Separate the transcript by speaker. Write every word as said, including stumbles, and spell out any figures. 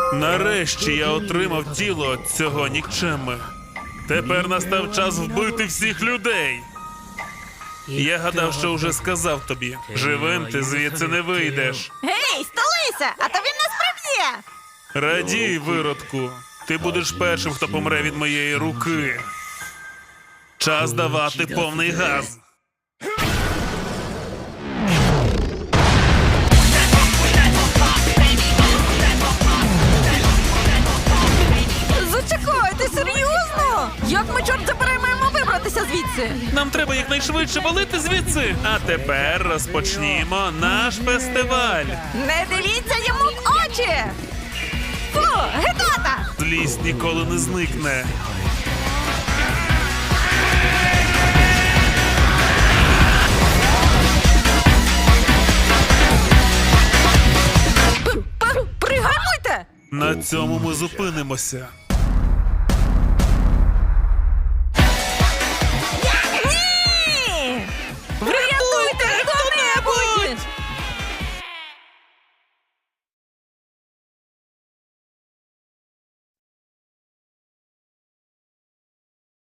Speaker 1: Нарешті я отримав тіло цього нікчеми. Тепер настав час вбити всіх людей. Я гадав, що вже сказав тобі. Живим ти звідси не вийдеш.
Speaker 2: Гей, столися, а то він нас приб'є!
Speaker 1: Радій, виродку. Ти будеш першим, хто помре від моєї руки. Час давати повний газ.
Speaker 2: Зачекай, ти серйозно? Як ми, чорт забирай, маємо вибратися звідси?
Speaker 1: Нам треба якнайшвидше валити звідси. А тепер розпочнімо наш фестиваль.
Speaker 2: Не дивіться йому в очі! Фу, гидота!
Speaker 1: Злість ніколи не зникне.
Speaker 2: П- п- Пригальмуйте!
Speaker 1: На цьому ми зупинимося.